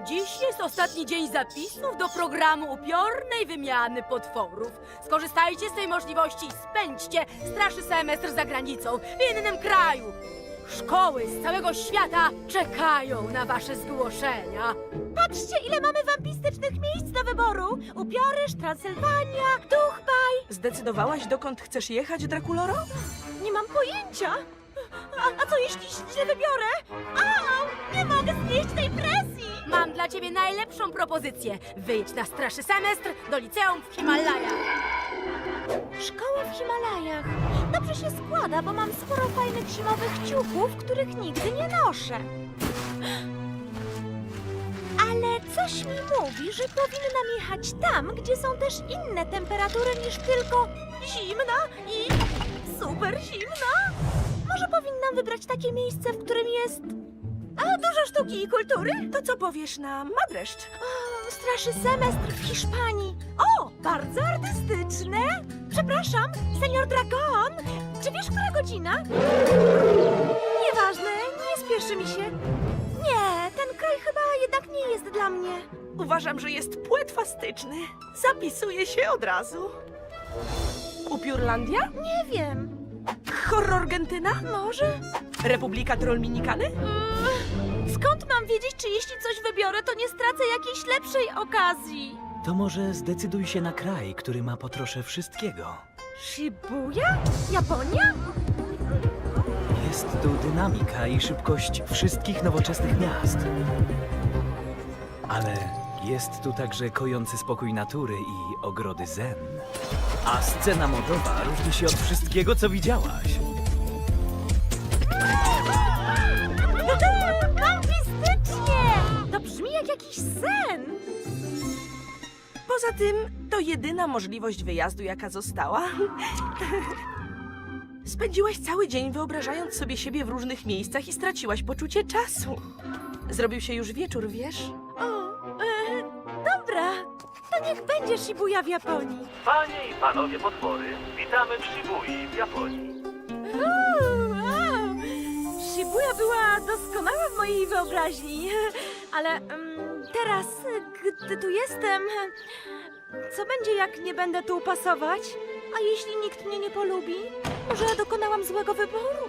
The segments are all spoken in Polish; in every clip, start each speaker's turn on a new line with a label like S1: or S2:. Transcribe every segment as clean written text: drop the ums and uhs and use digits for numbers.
S1: Dziś jest ostatni dzień zapisów do programu upiornej wymiany potworów. Skorzystajcie z tej możliwości i spędźcie starszy semestr za granicą, w innym kraju. Szkoły z całego świata czekają na wasze zgłoszenia.
S2: Patrzcie, ile mamy wampistycznych miejsc do wyboru! Upiorysz, Transylwania, Duchbaj.
S3: Zdecydowałaś, dokąd chcesz jechać, Drakuloro?
S2: Nie mam pojęcia. A co jeśli źle wybiorę? Au, nie mogę znieść tej presji!
S1: Mam dla ciebie najlepszą propozycję. Wyjdź na starszy semestr do liceum w Himalajach.
S2: Szkoła w Himalajach. Dobrze się składa, bo mam sporo fajnych zimowych ciuchów, których nigdy nie noszę. Ale coś mi mówi, że powinnam jechać tam, gdzie są też inne temperatury niż tylko zimna i super zimna. Może powinnam wybrać takie miejsce, w którym jest dużo sztuki i kultury?
S3: To co powiesz na Madreszcz?
S2: O, straszy semestr w Hiszpanii. O, bardzo artystyczne. Przepraszam, senior Dragon. Czy wiesz, która godzina? Nieważne, nie spieszy mi się. Nie, ten kraj chyba jednak nie jest dla mnie.
S3: Uważam, że jest płetwastyczny. Zapisuję się od razu. Upiórlandia?
S2: Nie wiem.
S3: Horrorgentyna?
S2: Może?
S3: Republika Trollminikany?
S2: Skąd mam wiedzieć, czy jeśli coś wybiorę, to nie stracę jakiejś lepszej okazji?
S4: To może zdecyduj się na kraj, który ma po trosze wszystkiego.
S2: Shibuya? Japonia?
S4: Jest tu dynamika i szybkość wszystkich nowoczesnych miast. Ale jest tu także kojący spokój natury i ogrody zen. A scena modowa różni się od wszystkiego, co widziałaś.
S2: Fantastycznie! To brzmi jak jakiś sen.
S3: Poza tym, to jedyna możliwość wyjazdu, jaka została. Spędziłaś cały dzień wyobrażając sobie siebie w różnych miejscach i straciłaś poczucie czasu. Zrobił się już wieczór, wiesz?
S2: Dobra, to niech będzie Shibuya w Japonii.
S5: Panie i panowie potwory, witamy w Shibui w Japonii.
S2: Wow. Shibuya była doskonała w mojej wyobraźni, ale teraz, gdy tu jestem, co będzie, jak nie będę tu pasować? A jeśli nikt mnie nie polubi? Może dokonałam złego wyboru?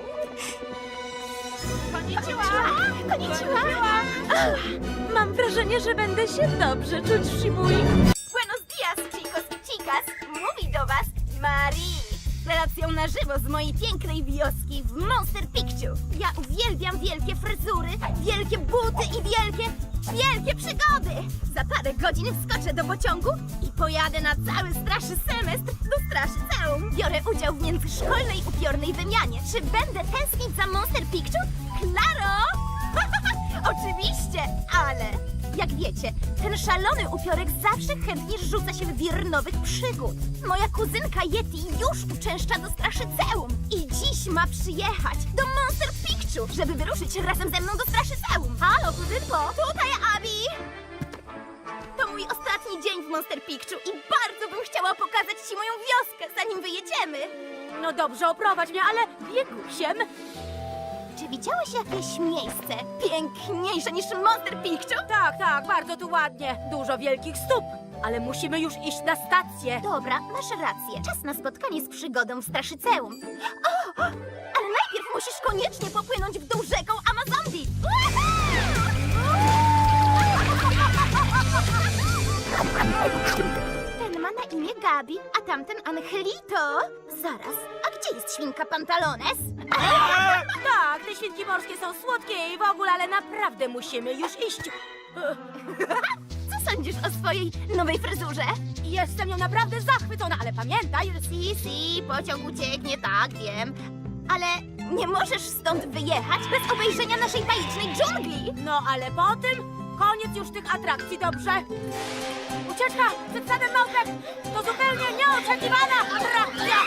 S2: Konnichiwa! Mam wrażenie, że będę się dobrze czuć w Shibui.
S6: Buenos dias, chicos y chicas! Mówi do was Marie! Relacją na żywo z mojej pięknej wioski w Monster Picchu. Ja uwielbiam wielkie fryzury, wielkie buty i wielkie przygody! Za parę godzin wskoczę do pociągu i pojadę na cały straszy semestr do Straszyceum. Biorę udział w międzyszkolnej upiornej wymianie. Czy będę tęsknić za Monster Picchu? Klaro! Oczywiście, ale jak wiecie, ten szalony upiorek zawsze chętnie rzuca się w wir nowych przygód. Moja kuzynka Yeti już uczęszcza do Straszyceum i dziś ma przyjechać do Monster Picchu, żeby wyruszyć razem ze mną do Straszyceum. Halo, kuzynko, tutaj Abi! To mój ostatni dzień w Monster Picchu i bardzo bym chciała pokazać ci moją wioskę, zanim wyjedziemy.
S1: No dobrze, oprowadź mnie, ale biegusiem.
S6: Czy widziałeś jakieś miejsce piękniejsze niż Monster Picchu?
S1: Tak, bardzo tu ładnie. Dużo wielkich stóp. Ale musimy już iść na stację.
S6: Dobra, masz rację. Czas na spotkanie z przygodą w Straszyceum. O! Ale najpierw musisz koniecznie popłynąć w dół rzeką Amazondi. Ten ma na imię Gabi, a tamten Angelito. Zaraz, a gdzie jest świnka Pantalones?
S1: Tak, te świnki morskie są słodkie i w ogóle, ale naprawdę musimy już iść.
S6: Co sądzisz o swojej nowej fryzurze?
S1: Jestem nią naprawdę zachwycona, ale pamiętaj,
S6: Si, pociąg ucieknie, tak, wiem. Ale nie możesz stąd wyjechać bez obejrzenia naszej bajecznej dżungli.
S1: no ale potem koniec już tych atrakcji, dobrze? Ucieczka przed sadem małpek to zupełnie nieoczekiwana atrakcja!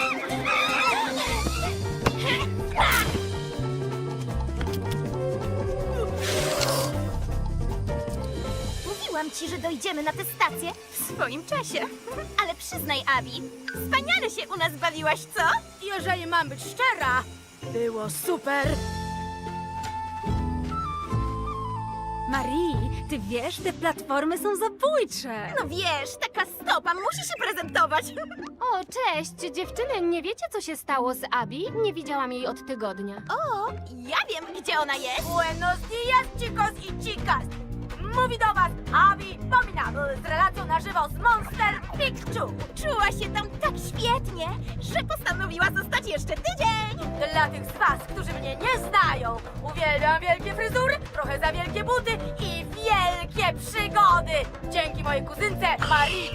S6: Mówiłam ci, że dojdziemy na tę stację w swoim czasie. Ale przyznaj, Abi, wspaniale się u nas bawiłaś, co?
S1: Jeżeli mam być szczera, było super.
S2: Marii, ty wiesz, te platformy są zabójcze.
S6: No wiesz, taka stopa musi się prezentować.
S7: O, cześć, dziewczyny, nie wiecie, co się stało z Abi? Nie widziałam jej od tygodnia.
S6: O, ja wiem, gdzie ona jest.
S1: Buenos dias, chicos i chicas! Mówi do was Abby Abominable z relacją na żywo z Monster Picchu.
S6: Czuła się tam tak świetnie, że postanowiła zostać jeszcze tydzień.
S1: Dla tych z was, którzy mnie nie znają, uwielbiam wielkie fryzury, trochę za wielkie buty i wielkie przygody. Dzięki mojej kuzynce Marii.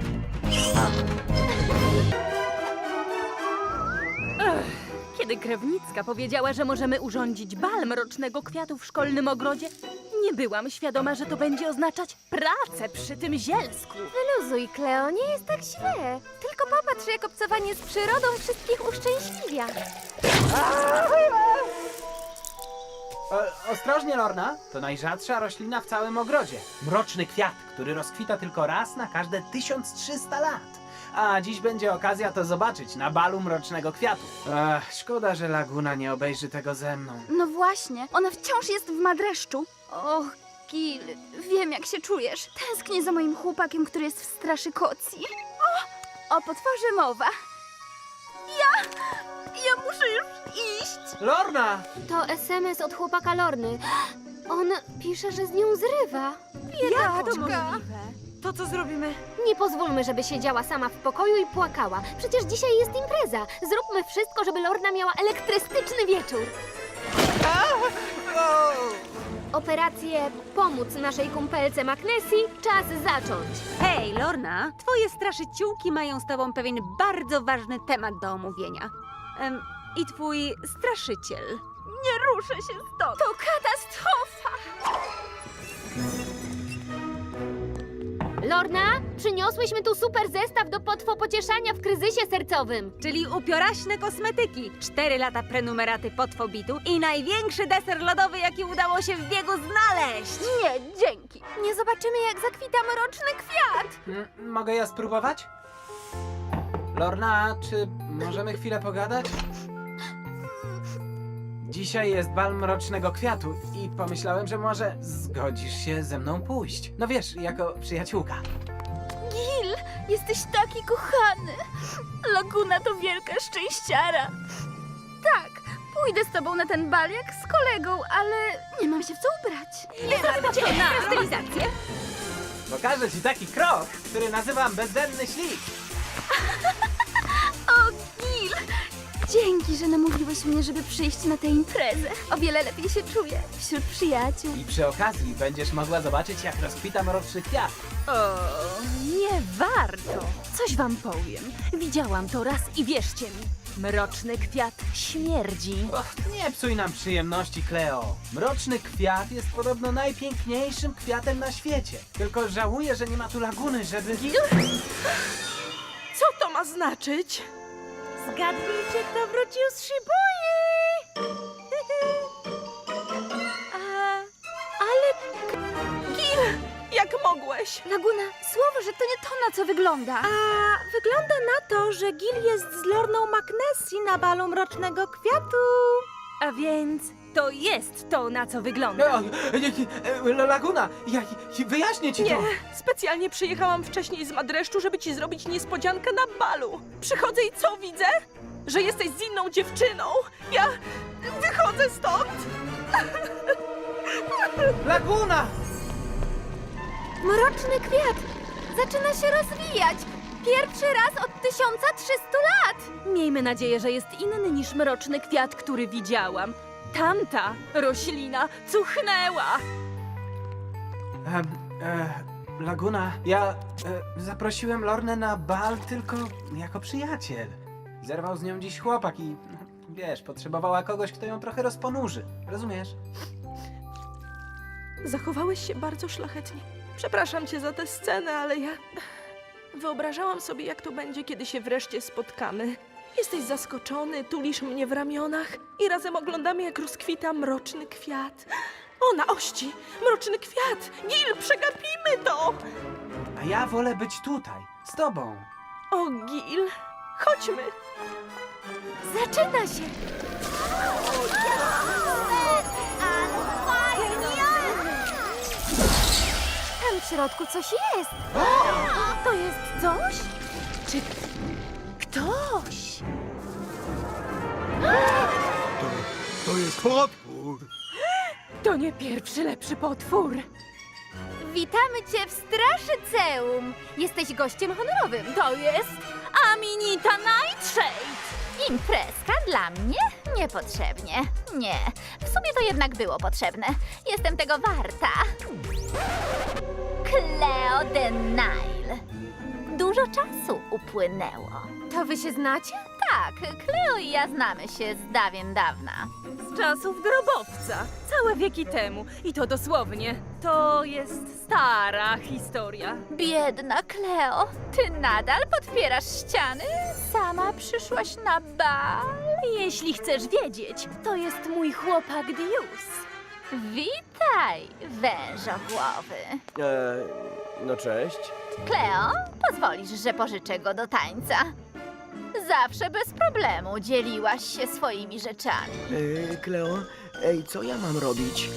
S2: Kiedy krewnicka powiedziała, że możemy urządzić bal mrocznego kwiatu w szkolnym ogrodzie, nie byłam świadoma, że to będzie oznaczać pracę przy tym zielsku.
S7: Wyluzuj, Kleo, nie jest tak źle. Tylko popatrz, jak obcowanie z przyrodą wszystkich uszczęśliwia.
S8: Ostrożnie, Lorna. To najrzadsza roślina w całym ogrodzie. Mroczny kwiat, który rozkwita tylko raz na każde 1300 lat. A dziś będzie okazja to zobaczyć na balu mrocznego kwiatu. Szkoda, że Laguna nie obejrzy tego ze mną.
S9: No właśnie, ona wciąż jest w madreszczu. Och, Gil, wiem jak się czujesz. Tęsknię za moim chłopakiem, który jest w straszy kocji. O potworze mowa. Ja muszę już iść.
S8: Lorna!
S7: To SMS od chłopaka Lorny. On pisze, że z nią zrywa.
S9: Biedaczka.
S2: To co zrobimy?
S7: Nie pozwólmy, żeby siedziała sama w pokoju i płakała. Przecież dzisiaj jest impreza. Zróbmy wszystko, żeby Lorna miała elektrystyczny wieczór. Operację Pomóc naszej kumpelce Magnesji czas zacząć.
S10: Hej, Lorna, twoje straszyciółki mają z tobą pewien bardzo ważny temat do omówienia. I twój straszyciel.
S9: Nie ruszę się stąd. To katastrofa.
S7: Lorna, przyniosłyśmy tu super zestaw do potwopocieszania w kryzysie sercowym.
S10: Czyli upioraśne kosmetyki, 4 lata prenumeraty Potwobitu i największy deser lodowy, jaki udało się w biegu znaleźć.
S9: Nie, dzięki. Nie zobaczymy jak zakwita mroczny kwiat.
S8: Mogę ja spróbować? Lorna, czy możemy chwilę pogadać? Dzisiaj jest bal mrocznego kwiatu i pomyślałem, że może zgodzisz się ze mną pójść. No wiesz, jako przyjaciółka.
S9: Gil, jesteś taki kochany. Laguna to wielka szczęściara. Tak, pójdę z tobą na ten bal jak z kolegą, ale nie mam się w co ubrać.
S10: Na stylizację.
S8: Pokażę ci taki krok, który nazywam bezdenny ślik.
S9: O, Gil! Dzięki, że namówiłeś mnie, żeby przyjść na tę imprezę. O wiele lepiej się czuję wśród przyjaciół.
S8: I przy okazji będziesz mogła zobaczyć, jak rozkwita mroczny kwiat.
S2: O, nie warto. Coś wam powiem. Widziałam to raz i wierzcie mi. Mroczny kwiat śmierdzi.
S8: Och, nie psuj nam przyjemności, Cleo. Mroczny kwiat jest podobno najpiękniejszym kwiatem na świecie. Tylko żałuję, że nie ma tu laguny, żeby...
S3: Co to ma znaczyć?
S2: Zgadnijcie, kto wrócił z Shibui!
S3: Jak mogłeś?
S9: Laguna, słowo, że to nie to, na co wygląda.
S2: A wygląda na to, że Gil jest z Lorną Magnesji na balu mrocznego kwiatu. A więc to jest to, na co wygląda.
S8: Laguna, ja wyjaśnię ci
S3: Nie,
S8: to.
S3: specjalnie przyjechałam wcześniej z Madreszczu, żeby ci zrobić niespodziankę na balu. Przychodzę i co widzę? Że jesteś z inną dziewczyną. Ja wychodzę stąd.
S8: Laguna!
S9: Mroczny kwiat zaczyna się rozwijać. Pierwszy raz od 1300 lat.
S2: Miejmy nadzieję, że jest inny niż mroczny kwiat, który widziałam. Tamta roślina cuchnęła.
S8: Laguna, ja zaprosiłem Lornę na bal tylko jako przyjaciel. Zerwał z nią dziś chłopak i wiesz, potrzebowała kogoś, kto ją trochę rozponurzy. Rozumiesz?
S3: Zachowałeś się bardzo szlachetnie. Przepraszam cię za tę scenę, ale ja wyobrażałam sobie, jak to będzie, kiedy się wreszcie spotkamy. Jesteś zaskoczony, tulisz mnie w ramionach i razem oglądamy, jak rozkwita mroczny kwiat. O, na ości! Mroczny kwiat! Gil, przegapimy to!
S8: A ja wolę być tutaj, z tobą.
S3: O, Gil, chodźmy!
S9: Zaczyna się.
S6: Ale fajnie!
S7: Tam w środku coś jest.
S2: To jest coś? Czy ktoś?
S11: To jest potwór.
S2: To nie pierwszy lepszy potwór.
S7: Witamy cię w Straszyceum. Jesteś gościem honorowym.
S2: To jest Aminita Nightshade.
S6: Imprezka dla mnie? Niepotrzebnie. Nie, w sumie to jednak było potrzebne. Jestem tego warta. Cleo de Nile. Dużo czasu upłynęło.
S7: To wy się znacie?
S6: Tak, Cleo i ja znamy się z dawien dawna.
S2: Z czasów grobowca. Całe wieki temu. I to dosłownie. To jest stara historia.
S6: Biedna Cleo, ty nadal podpierasz ściany? Sama przyszłaś na bal?
S2: Jeśli chcesz wiedzieć, to jest mój chłopak Dius.
S6: Witaj, wężogłowy.
S11: No cześć.
S6: Cleo, pozwolisz, że pożyczę go do tańca. Zawsze bez problemu dzieliłaś się swoimi rzeczami.
S11: Kleo, co ja mam robić?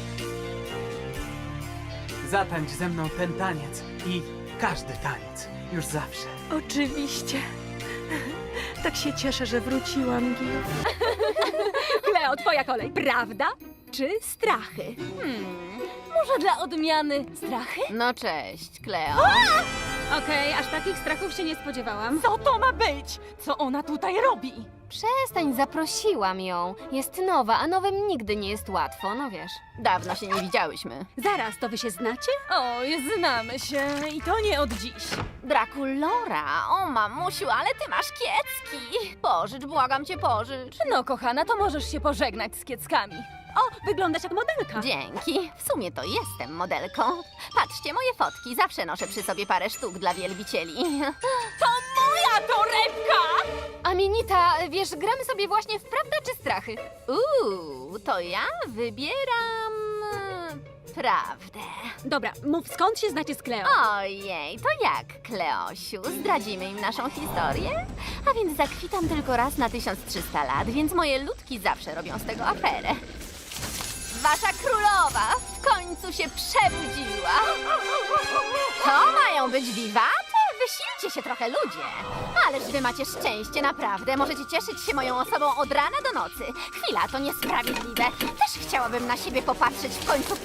S8: Zatańcz ze mną ten taniec i każdy taniec. Już zawsze.
S3: Oczywiście. Tak się cieszę, że wróciłam, Gil.
S2: Kleo, twoja kolej. Prawda czy strachy? Może dla odmiany strachy?
S6: No cześć, Cleo.
S10: Okej, aż takich strachów się nie spodziewałam.
S2: Co to ma być? Co ona tutaj robi?
S7: Przestań, zaprosiłam ją. Jest nowa, a nowym nigdy nie jest łatwo, no wiesz.
S6: Dawno się nie widziałyśmy.
S10: Zaraz, to wy się znacie?
S2: Oj, znamy się i to nie od dziś.
S6: Drakulora, o mamusiu, ale ty masz kiecki. Pożycz, błagam cię, pożycz.
S2: No, kochana, to możesz się pożegnać z kieckami.
S10: O, wyglądasz jak modelka.
S6: Dzięki. W sumie to jestem modelką. Patrzcie, moje fotki. Zawsze noszę przy sobie parę sztuk dla wielbicieli.
S2: Moja torebka!
S7: Aminita, wiesz, gramy sobie właśnie w prawda czy strachy.
S6: To ja wybieram... prawdę.
S10: Dobra, mów skąd się znacie z Kleo?
S6: Ojej, to jak, Kleosiu? Zdradzimy im naszą historię? A więc zakwitam tylko raz na 1300 lat, więc moje ludki zawsze robią z tego aferę. Wasza królowa w końcu się przebudziła. To mają być wiwaty? Wysilcie się trochę, ludzie. Ależ wy macie szczęście, naprawdę. Możecie cieszyć się moją osobą od rana do nocy. Chwila, to niesprawiedliwe. Też chciałabym na siebie popatrzeć w końcu.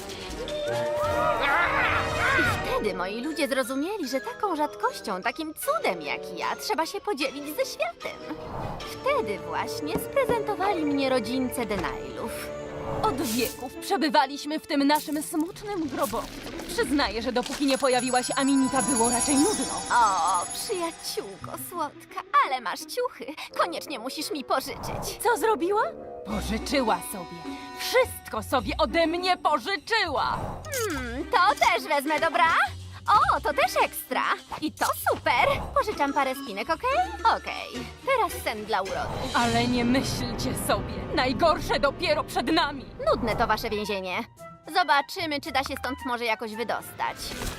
S6: I wtedy moi ludzie zrozumieli, że taką rzadkością, takim cudem jak ja, trzeba się podzielić ze światem. Wtedy właśnie sprezentowali mnie rodzińce Denailów.
S2: Od wieków przebywaliśmy w tym naszym smutnym grobowcu. Przyznaję, że dopóki nie pojawiła się Aminita, było raczej nudno.
S6: O, przyjaciółko słodka, ale masz ciuchy. Koniecznie musisz mi pożyczyć.
S2: Co zrobiła? Pożyczyła sobie. Wszystko sobie ode mnie pożyczyła.
S6: To też wezmę, dobra? O, to też ekstra. I to super. Pożyczam parę spinek, okej? Okej. Teraz sen dla urody.
S2: Ale nie myślcie sobie. Najgorsze dopiero przed nami.
S6: Nudne to wasze więzienie. Zobaczymy, czy da się stąd może jakoś wydostać.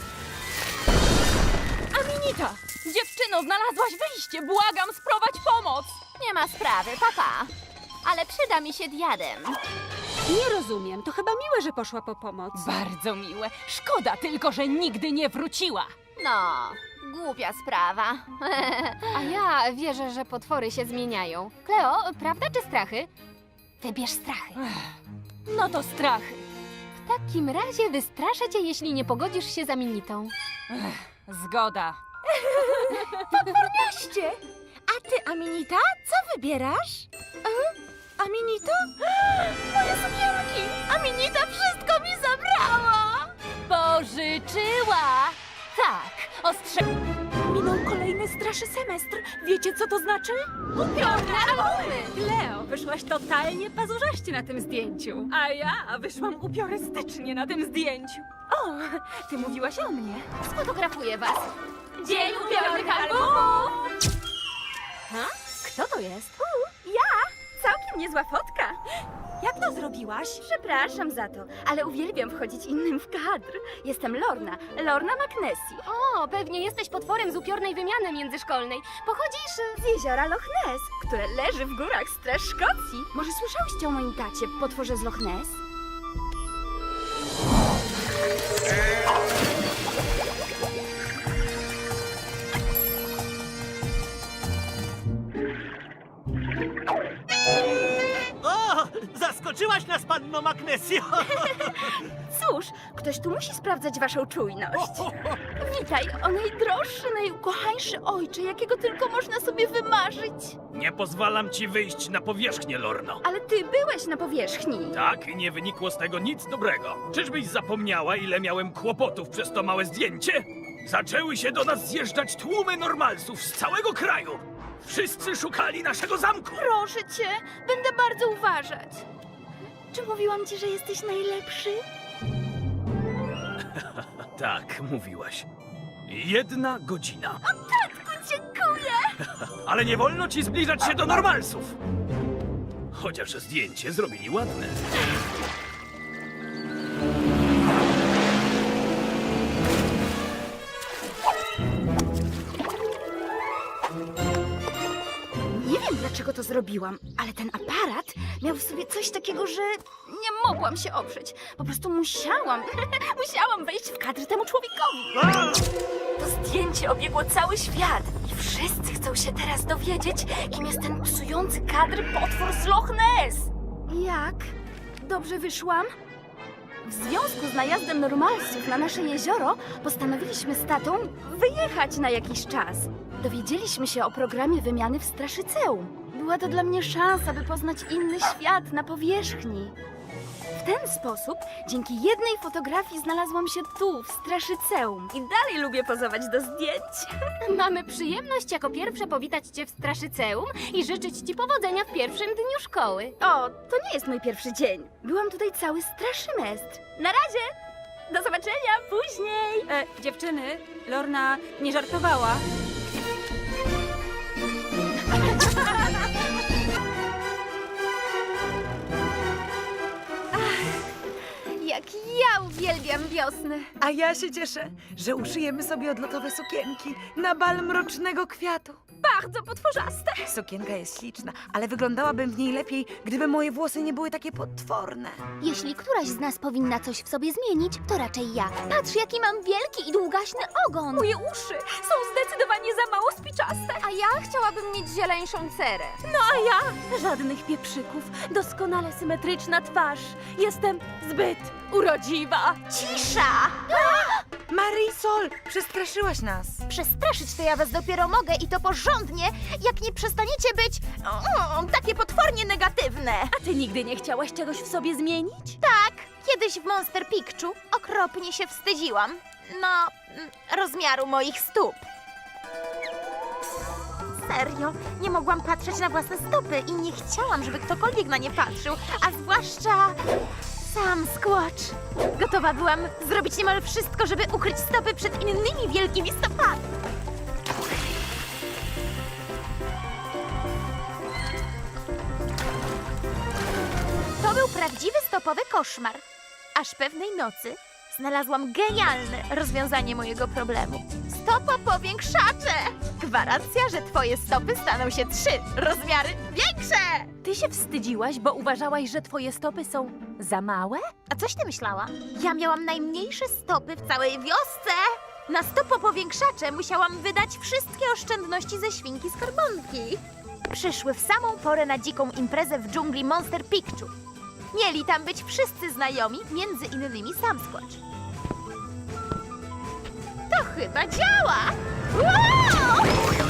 S2: Aminita! Dziewczyno, znalazłaś wyjście. Błagam, sprowadź pomoc.
S6: Nie ma sprawy, papa. Ale przyda mi się diadem.
S10: Nie rozumiem, to chyba miłe, że poszła po pomoc.
S2: Bardzo miłe. Szkoda tylko, że nigdy nie wróciła.
S6: No, głupia sprawa.
S7: A ja wierzę, że potwory się zmieniają. Kleo, prawda czy strachy? Wybierz strachy.
S2: No to strachy.
S7: W takim razie wystraszę cię, jeśli nie pogodzisz się z Aminitą.
S2: Zgoda. Podporniaście! A ty, Aminita, co wybierasz? Aminita? Moje sukienki! Aminita wszystko mi zabrała! Pożyczyła! Tak, ostrze... Minął kolejny straszy semestr. Wiecie, co to znaczy? Upiorne albumy!
S10: Kleo, wyszłaś totalnie pazurzaście na tym zdjęciu.
S2: A ja wyszłam upiorystycznie na tym zdjęciu. O, ty mówiłaś o mnie.
S6: Sfotografuję was.
S2: Dzień upiornych albumów!
S6: Kto to jest?
S9: Całkiem niezła fotka.
S2: Jak to zrobiłaś?
S9: Przepraszam za to, ale uwielbiam wchodzić innym w kadr. Jestem Lorna, Lorna McNessie.
S7: O, pewnie jesteś potworem z upiornej wymiany międzyszkolnej. Pochodzisz...
S9: Z jeziora Loch Ness, które leży w górach Straż Szkocji. Może słyszałyście o moim tacie, potworze z Loch Ness?
S5: Zaskoczyłaś nas, panno Magnesio!
S9: Cóż, ktoś tu musi sprawdzać waszą czujność. Witaj, o najdroższy, najukochańszy ojcze, jakiego tylko można sobie wymarzyć.
S12: Nie pozwalam ci wyjść na powierzchnię, Lorno.
S9: Ale ty byłeś na powierzchni.
S12: Tak, i nie wynikło z tego nic dobrego. Czyżbyś zapomniała, ile miałem kłopotów przez to małe zdjęcie? Zaczęły się do nas zjeżdżać tłumy normalsów z całego kraju. Wszyscy szukali naszego zamku.
S9: Proszę cię, będę bardzo uważać. Czy mówiłam ci, że jesteś najlepszy?
S12: Tak, mówiłaś. 1 godzina.
S9: Tatku, dziękuję!
S12: Ale nie wolno ci zbliżać się do normalsów. Chociaż zdjęcie zrobili ładne.
S9: Nie wiem, dlaczego to zrobiłam, ale ten aparat miał w sobie coś takiego, że nie mogłam się oprzeć. Po prostu musiałam wejść w kadr temu człowiekowi. To zdjęcie obiegło cały świat i wszyscy chcą się teraz dowiedzieć, kim jest ten psujący kadr potwór z Loch Ness. Jak? Dobrze wyszłam? W związku z najazdem normalsów na nasze jezioro postanowiliśmy z tatą wyjechać na jakiś czas. Dowiedzieliśmy się o programie wymiany w Straszyceum. Była to dla mnie szansa, by poznać inny świat na powierzchni. W ten sposób, dzięki jednej fotografii znalazłam się tu, w Straszyceum. I dalej lubię pozować do zdjęć.
S7: Mamy przyjemność jako pierwsze powitać cię w Straszyceum i życzyć ci powodzenia w pierwszym dniu szkoły.
S9: O, to nie jest mój pierwszy dzień. Byłam tutaj cały straszymestr. Na razie! Do zobaczenia później!
S10: Dziewczyny, Lorna nie żartowała.
S9: Jak ja uwielbiam wiosnę!
S13: A ja się cieszę, że uszyjemy sobie odlotowe sukienki na bal mrocznego kwiatu.
S2: Bardzo potworzaste.
S13: Sukienka jest śliczna, ale wyglądałabym w niej lepiej, gdyby moje włosy nie były takie potworne.
S7: Jeśli któraś z nas powinna coś w sobie zmienić, to raczej ja. Patrz, jaki mam wielki i długaśny ogon.
S2: Moje uszy są zdecydowanie za mało spiczaste.
S7: A ja chciałabym mieć zieleńszą cerę.
S2: No a ja? Żadnych pieprzyków. Doskonale symetryczna twarz. Jestem zbyt urodziwa.
S6: Cisza!
S13: Marisol, przestraszyłaś nas.
S6: Przestraszyć to ja was dopiero mogę i to porządnie, jak nie przestaniecie być takie potwornie negatywne.
S2: A ty nigdy nie chciałaś czegoś w sobie zmienić?
S6: Tak, kiedyś w Monster Picchu okropnie się wstydziłam. Rozmiaru moich stóp. Serio, nie mogłam patrzeć na własne stopy i nie chciałam, żeby ktokolwiek na nie patrzył, a zwłaszcza sam Squatch. Gotowa byłam zrobić niemal wszystko, żeby ukryć stopy przed innymi wielkimi stopami. To był prawdziwy stopowy koszmar. Aż pewnej nocy znalazłam genialne rozwiązanie mojego problemu. Stopopowiększacze! Gwarancja, że twoje stopy staną się 3 rozmiary większe!
S2: Ty się wstydziłaś, bo uważałaś, że twoje stopy są za małe?
S6: A coś ty myślała? Ja miałam najmniejsze stopy w całej wiosce! Na stopopowiększacze musiałam wydać wszystkie oszczędności ze świnki skarbonki. Przyszły w samą porę na dziką imprezę w dżungli Monster Picchu. Mieli tam być wszyscy znajomi, między innymi sam Squatch. To chyba działa! Wow!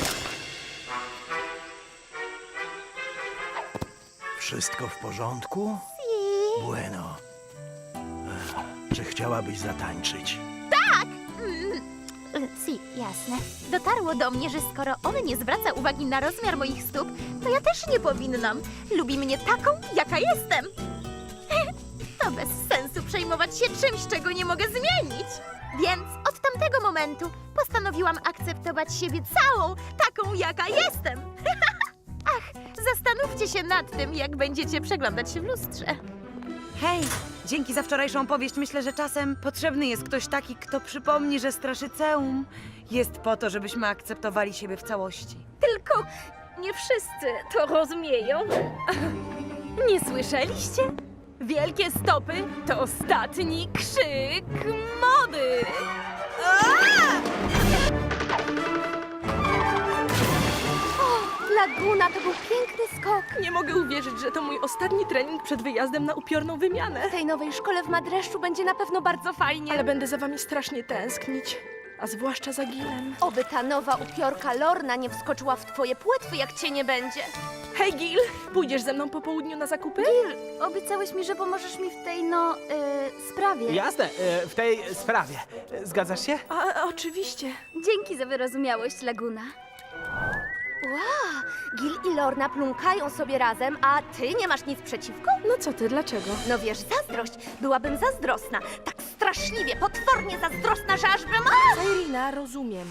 S11: Wszystko w porządku?
S6: Si.
S11: Bueno. Czy chciałabyś zatańczyć?
S6: Tak! Si, jasne. Dotarło do mnie, że skoro on nie zwraca uwagi na rozmiar moich stóp, to ja też nie powinnam. Lubi mnie taką, jaka jestem. To bez sensu przejmować się czymś, czego nie mogę zmienić. Więc od tamtego momentu postanowiłam akceptować siebie całą, taką, jaka jestem. Ach, zastanówcie się nad tym, jak będziecie przeglądać się w lustrze.
S13: Hej, dzięki za wczorajszą opowieść myślę, że czasem potrzebny jest ktoś taki, kto przypomni, że Straszyceum jest po to, żebyśmy akceptowali siebie w całości.
S2: Tylko nie wszyscy to rozumieją. Nie słyszeliście? Wielkie stopy to ostatni krzyk mody.
S9: Dla
S7: Laguna, to był piękny skok.
S3: Nie mogę uwierzyć, że to mój ostatni trening przed wyjazdem na upiorną wymianę.
S2: W tej nowej szkole w Madreszczu będzie na pewno bardzo fajnie.
S3: Ale będę za wami strasznie tęsknić. A zwłaszcza za Gilem.
S6: Oby ta nowa upiorka Lorna nie wskoczyła w twoje płetwy, jak cię nie będzie.
S3: Hej, Gil! Pójdziesz ze mną po południu na zakupy?
S9: Obiecałeś mi, że pomożesz mi w tej, sprawie.
S8: Jasne, w tej sprawie. Zgadzasz się?
S3: Oczywiście.
S9: Dzięki za wyrozumiałość, Laguna.
S6: Wow, Gil i Lorna plunkają sobie razem, a ty nie masz nic przeciwko?
S3: No co ty, dlaczego?
S6: No wiesz, zazdrość. Byłabym zazdrosna. Tak straszliwie, potwornie zazdrosna, że aż bym...
S3: Sairina, rozumiem.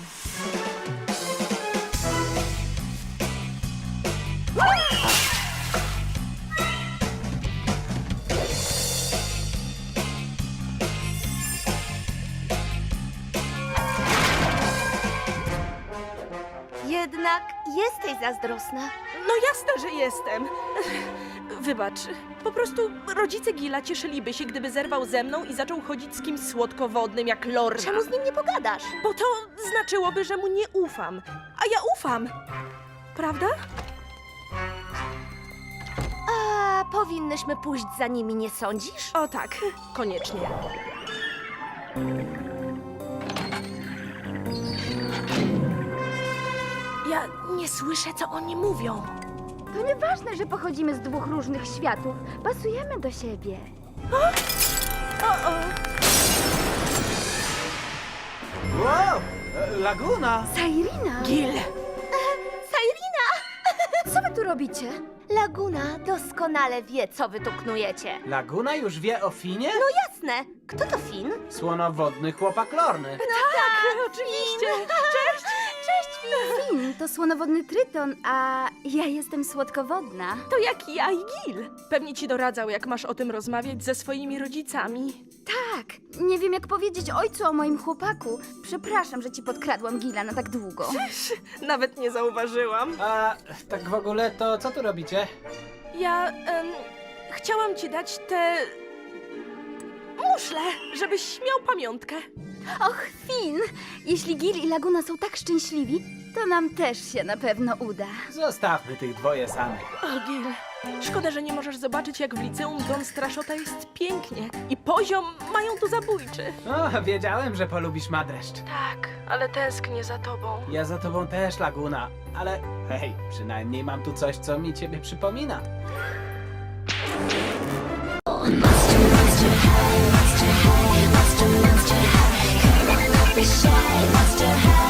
S6: Jednak jesteś zazdrosna.
S3: No jasne, że jestem. Wybacz, po prostu rodzice Gila cieszyliby się, gdyby zerwał ze mną i zaczął chodzić z kimś słodkowodnym jak Lorna.
S6: Czemu z nim nie pogadasz?
S3: Bo to znaczyłoby, że mu nie ufam. A ja ufam. Prawda?
S6: A powinnyśmy pójść za nimi, nie sądzisz?
S3: O tak, koniecznie. Ja nie słyszę, co oni mówią.
S9: To nieważne, że pochodzimy z dwóch różnych światów. Pasujemy do siebie.
S8: Wow! Laguna!
S9: Sairina!
S3: Gil!
S6: Sairina!
S9: Co wy tu robicie?
S6: Laguna doskonale wie, co wy tu knujecie.
S8: Laguna już wie o Finie?
S6: No jasne. Kto to Fin?
S8: Słonowodny chłopak Lorny.
S3: Tak, oczywiście. Cześć!
S6: Cześć, Fin!
S9: Fin to słonowodny tryton, a ja jestem słodkowodna.
S3: To jak ja i Gil. Pewnie ci doradzał, jak masz o tym rozmawiać ze swoimi rodzicami.
S9: Tak, nie wiem jak powiedzieć ojcu o moim chłopaku. Przepraszam, że ci podkradłam Gila na tak długo.
S3: Nawet nie zauważyłam.
S8: A tak w ogóle to co tu robicie?
S3: Ja chciałam ci dać te muszle, żebyś miał pamiątkę.
S9: Och, Fin! Jeśli Gil i Laguna są tak szczęśliwi, to nam też się na pewno uda.
S8: Zostawmy tych dwoje samych.
S3: O, Gil, szkoda, że nie możesz zobaczyć, jak w liceum Don Straszota jest pięknie. I poziom mają tu zabójczy.
S8: O, wiedziałem, że polubisz Madreszcz.
S3: Tak, ale tęsknię za tobą.
S8: Ja za tobą też, Laguna. Ale hej, przynajmniej mam tu coś, co mi ciebie przypomina.
S14: Monster high, monster high, monster high. Be shy, monster high.